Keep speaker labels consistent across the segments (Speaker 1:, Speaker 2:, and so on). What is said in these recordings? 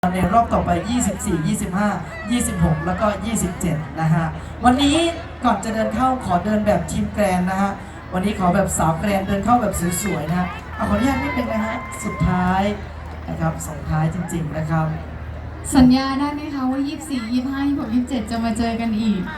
Speaker 1: ในรอบต่อไป 24 25 26 แล้วก็ 27 นะฮะ วันนี้ก่อนจะเดินเข้าขอเดินแบบทีมแกรนนะฮะ วันนี้ขอแบบสาวแกรนเดินเข้าแบบสวยๆนะฮะขออนุญาตนิดนึงนะฮะ สุดท้ายนะครับส่งท้ายจริงๆนะครับ
Speaker 2: สัญญาได้ไหมคะว่า 24 25 26 27 จะมาเจอกันอีก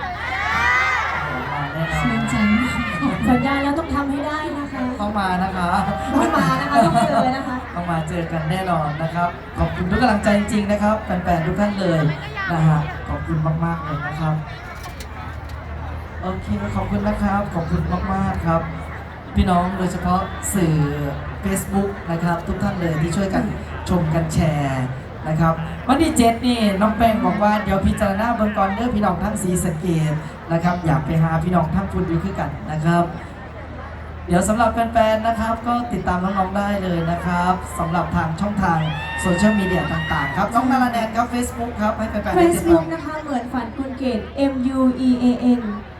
Speaker 2: ชื่นใจมาก
Speaker 3: สัญญาแล้วต้องทำให้ได้นะคะ
Speaker 1: ต้องมานะคะ
Speaker 3: ต้องมานะคะต้องเจอนะคะ
Speaker 1: ต้องมาเจอกันแน่นอนนะครับ ขอบคุณทุกกำลังใจจริงๆนะครับแฟนๆทุกท่านเลยนะฮะขอบคุณมากๆเลยนะครับโอเคขอบคุณนะครับขอบคุณมากๆครับ พี่น้องโดยเฉพาะสื่อ Facebook นะครับทุกท่านเลยที่ช่วยกันชมกันแชร์นะครับวันที่7นี่น้องแป้งบอกว่าเดี๋ยวพิจารณาเบื้องก่อนเด้อพี่น้องทั้งศรีสะเกษนะครับอยากไปหาพี่น้องทั้งคุณอยู่คือกันนะครับ เดี๋ยวสำหรับแฟนๆนะครับก็ติดตามน้องๆได้เลยนะครับสำหหรับทางช่องทางโซเชียลมีเดียต่างๆครับน้องนาราแนนครับ Facebook ครับให้แฟนๆได้ติดตาม
Speaker 3: Facebook นะคะเหมือนฝันคุณเกต MUEAN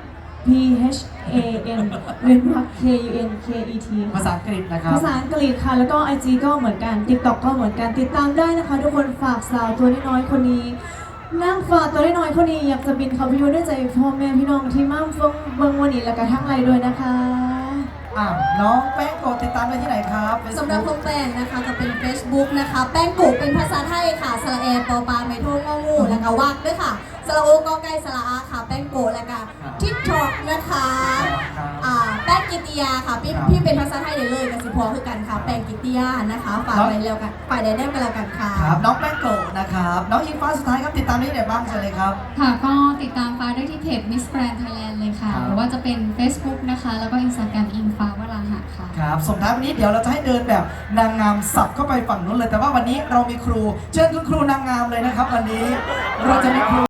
Speaker 3: PHAN เว้นวรรค KUNKET
Speaker 1: ภาษาอังกฤษนะครับ
Speaker 3: ภาษาอังกฤษค่ะแล้วก็ IG ก็เหมือนกัน TikTok ก็เหมือนกันติดตามได้นะคะ ทุกคนฝากสาวตัวน้อยๆคนนี้นั่งฝากตัวน้อยๆคนนี้อยากจะบินเขาไปอยู่ด้วยใจพ่อแม่พี่น้องที่มั่มฟงเบิงวันนี้และกระทั่งไรด้วยนะคะ
Speaker 1: น้องแป้งโกติดตามได้ที่ไหนครับ
Speaker 4: สำหรับ
Speaker 1: Facebook
Speaker 4: พงแป้งนะคะจะเป็น Facebook นะคะ แป้งกุเป็นภาษาไทยค่ะสระแอปอปลาไมโทงงองูแล้วก็วักด้วยค่ะสระโอกอไก่สระอาค่ะ แป้งกุแล้วก็ทิกท็อกนะคะแป้งกิติยาค่ะพี่เป็นภาษาไทยเลยกับสิพอคือกันค่ะ แป้งกิติยานะคะฝากไว้แล้วกันฝ่ายใดได้กันแล้วกันค่ะ
Speaker 1: ครับน้องแป้งโกนะครับน้องอิงฟ้าสุดท้ายครับติดตามได้ที่ไหนบ้างเชิญเลยครับ
Speaker 2: ค่ะก็ติดตามฟ้าได้ที่เพจ Miss Grand Thailand เลยค่ะ
Speaker 1: ครับ
Speaker 2: หรือว่าจะเป็น Facebook นะคะ แล้วก็ Instagram อิงฟ้าวราหะค่ะ
Speaker 1: ครับส่งท้ายวันนี้เดี๋ยวเราจะให้เดินแบบนางงามสับเข้าไปฝั่งนู้นเลยแต่ว่าวันนี้เรามีครูเชิญคุณครูนางงามเลยนะครับ วันนี้เราจะมีครู